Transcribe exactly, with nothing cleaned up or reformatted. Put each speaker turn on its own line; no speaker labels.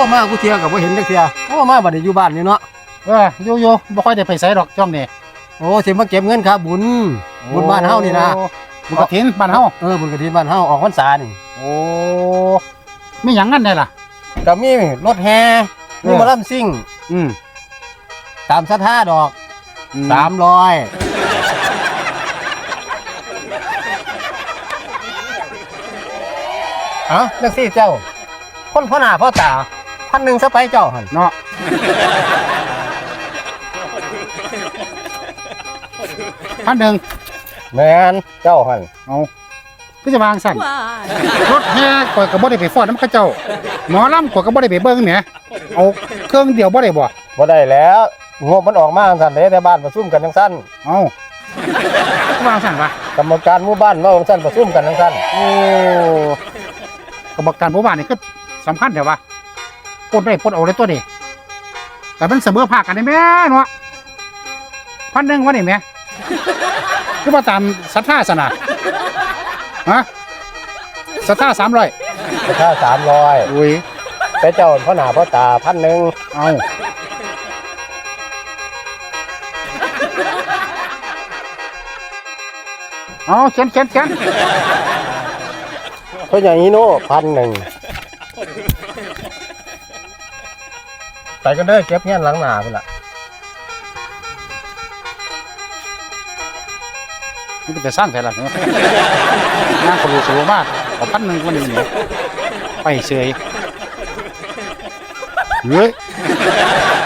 มากูเที่ยวกับบ่เห็นจักเที่ยโอ้มาบัดนี้อยู่บ้านนี่เนาะ
เอออยู่อยู่บ่ค่อยได้ไปไสดอกช่วงนี้
โอ้สิมาเก็บเงินครับบุญบุญบ้านเฮานี่นะ
บุญกฐินบ้านเฮา
เออบุญกฐินบ้านเฮาออกพรรษานี่
โอ้มีหยังงั้นได้ล่ะ
ก็มีรถแห่มีหมอลำซิ่ง
อืม
ตามศรัทธาดอกสามร้อยเอ้าจังซี่เจ้าคนพ่อหน้าพ่อตาพันหนึ่งซะไปเจ้าหั่น
เนาะพันหนึ่ง
แม่นเจ้าหั่น
เอาคือจะวางสั่นรถแห่ข่อยก็บ่ได้ไปฟ้อนนำเขาเจ้าหมอลำข่อยก็บ่ได้ไปเบิ่งแหมเอาเครื่องเดียวบ่ได้บ่
บ่ได้แล้วงบมันออกมาจังซั่นเด้แต่บ้านประชุมกันจังซั่น
เอ้าคือวางสั่นวะ
กรรมการหมู่บ้านเว้าจังซั่นประชุมกันจังซั่น
โอ้กรรมการหมู่บ้านนี่คือสำคัญแท้วะปลดได้ปลดเอาได้ตัวนี้แต่มันเสมอภาคกันได้แม่เนาะพันหนึ่งวะนี่แม่คือมาตามศรัทธาสนะฮะศรัทธาสามร้อย
ศรัทธาสามร้อย
อุ้ย
แต่เจ้าพ่อหน้าพ่อตาพันหนึ่ง
เอาเอาเขียนเขียนเขียน
เพราะอย่างนี้โน่พันหนึ่งไปกันเด้อเก็บเงี้ยหลังหนาพุ่นล่ะ
มันจะสร้างแต่ละเนี่ยงานคนรู้สูงมากขอพันหนึ่งวันนี้เนี่ยไปเฉยเฮ้ย